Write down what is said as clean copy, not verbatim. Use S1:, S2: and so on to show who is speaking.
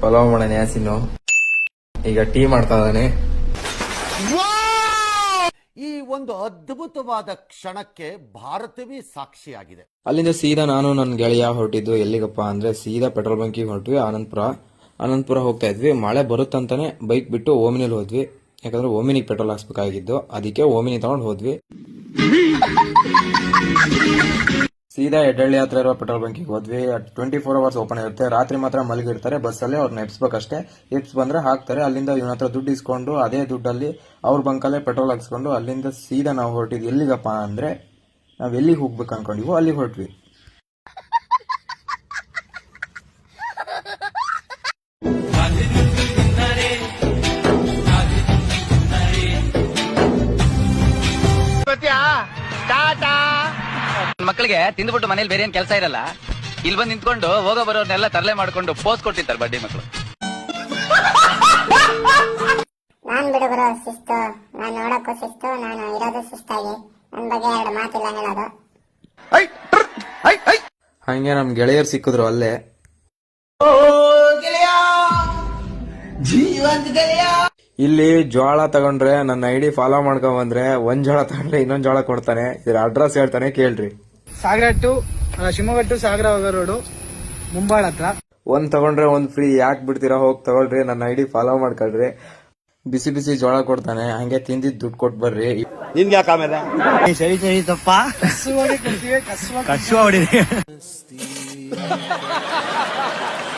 S1: ಪಲಾವ್ ಮಾಡೋಣ ಯಾಸಿನು. ಈಗ ಟೀ ಮಾಡ್ತಾ ಇದ್ದಾನೆ.
S2: ಈ ಒಂದು ಅದ್ಭುತವಾದ ಕ್ಷಣಕ್ಕೆ ಭಾರತವೇ ಸಾಕ್ಷಿಯಾಗಿದೆ.
S1: ಅಲ್ಲಿಂದ ಸೀದಾ ನಾನು ನನ್ನ ಗೆಳೆಯ ಹೊರಟಿದ್ದು ಎಲ್ಲಿಗಪ್ಪ ಅಂದ್ರೆ ಸೀದಾ ಪೆಟ್ರೋಲ್ ಬಂಕಿಗೆ ಹೊರಟ್ವಿ. ಆನಂದಪುರ ಹೋಗ್ತಾ ಇದ್ವಿ. ಮಳೆ ಬರುತ್ತಂತಾನೆ ಬೈಕ್ ಬಿಟ್ಟು ಓಮಿನಿಲ್ ಹೋದ್ವಿ. ಯಾಕಂದ್ರೆ ಓಮಿನಿಗೆ ಪೆಟ್ರೋಲ್ ಹಾಕ್ಸ್ಬೇಕಾಗಿದ್ದು, ಅದಕ್ಕೆ ಓಮಿನಿ ತಗೊಂಡು ಹೋದ್ವಿ. ಸೀದಾ ಎಡ್ಡಳ್ಳಿ ಹತ್ರ ಇರುವ ಪೆಟ್ರೋಲ್ ಬಂಕಿಗೆ ಹೋದ್ವಿ. 24 ಅವರ್ಸ್ ಓಪನ್ ಇರುತ್ತೆ. ರಾತ್ರಿ ಮಾತ್ರ ಮಲಗಿರ್ತಾರೆ ಬಸ್ಸಲ್ಲಿ. ಅವ್ರನ್ನ ಎಬ್ಸ್ಬೇಕಷ್ಟೇ. ಎಬ್ಸ್ ಬಂದ್ರೆ ಹಾಕ್ತಾರೆ. ಅಲ್ಲಿಂದ ಇವನ ಹತ್ರ ದುಡ್ಡು ಇಸ್ಕೊಂಡು ಅದೇ ದುಡ್ಡಲ್ಲಿ ಅವ್ರ ಬಂಕಲ್ಲೇ ಪೆಟ್ರೋಲ್ ಹಾಕ್ಸ್ಕೊಂಡು ಅಲ್ಲಿಂದ ಸೀದಾ ನಾವು ಹೊರಟಿದ್ವಿ. ಎಲ್ಲಿಗಪ್ಪ ಅಂದ್ರೆ ನಾವ್ ಎಲ್ಲಿಗೆ ಹೋಗ್ಬೇಕು ಅನ್ಕೊಂಡಿವೋ ಅಲ್ಲಿಗೆ ಹೊರಟ್ವಿ.
S3: ಮಕ್ಕಳಿಗೆ ತಿಂದ್ಬಿಟ್ಟು ಮನೇಲಿ ಬೇರೆ ಏನ್ ಕೆಲಸ ಇರಲ್ಲ, ಇಲ್ಲಿ ಬಂದು ನಿಂತ್ಕೊಂಡು ಹೋಗೋ ಬರೋರ್ನೆಲ್ಲ ತರಲೆ ಮಾಡ್ಕೊಂಡು ಪೋಸ್ ಕೊಟ್ಟಿರ್ತಾರೆ ಬಡ್ಡಿ ಮಕ್ಕಳು.
S4: ನಾನ್ ಬಿಡು ಬರೋ ಶಿಸ್ತು, ನಾನ್ ನೋಡಕ್ಕೂ ಶಿಸ್ತು, ನಾನು ಇರೋದು ಶಿಸ್ತಾಗಿ, ನನ್ ಬಗ್ಗೆ 2 ಮಾತಿಲ್ಲ ಹೇಳೋದು.
S1: ಹಂಗೆ ನಮ್ ಗೆಳೆಯರು ಸಿಕ್ಕಿದ್ರು ಅಲ್ಲೇ. ಇಲ್ಲಿ ಜೋಳ ತಗೊಂಡ್ರೆ ನನ್ನ ಐಡಿ ಫಾಲೋ ಮಾಡ್ಕೊಂಡ್ ಬಂದ್ರೆ ಒಂದ್ ಜೋಳ ತಗೊಂಡ್ರೆ ಇನ್ನೊಂದ್ ಜೋಳ ಕೊಡ್ತಾನೆ. ಇದ್ರ ಅಡ್ರೆಸ್ ಹೇಳ್ತಾನೆ, ಕೇಳ್ರಿ.
S5: ಸಾಗರ ಟು ಶಿವಮೊಗ್ಗ ಟು ಸಾಗರ ಹೋಗೋ ರೋಡು, ಮುಂಬಾಳ ಹತ್ರ.
S1: ಒಂದ್ ತಗೊಂಡ್ರೆ ಒಂದ್ ಫ್ರೀ. ಯಾಕೆ ಬಿಡ್ತೀರಾ? ಹೋಗಿ ತಗೊಳ್ರಿ, ನನ್ನ ಐಡಿ ಫಾಲೋ ಮಾಡ್ಕೊಳ್ರಿ. ಬಿಸಿ ಬಿಸಿ ಜೋಳ ಕೊಡ್ತಾನೆ. ಹಂಗೆ ತಿಂದಿದ್ ದುಡ್ಡು ಕೊಟ್ ಬರ್ರಿ.
S6: ನಿನ್ಗೆ ಯಾಕೆ ಆಮೇಲೆ ಸರಿ ಸರಿ ತಪ್ಪ ಕಸುವ ಹೊಡಿದೆ.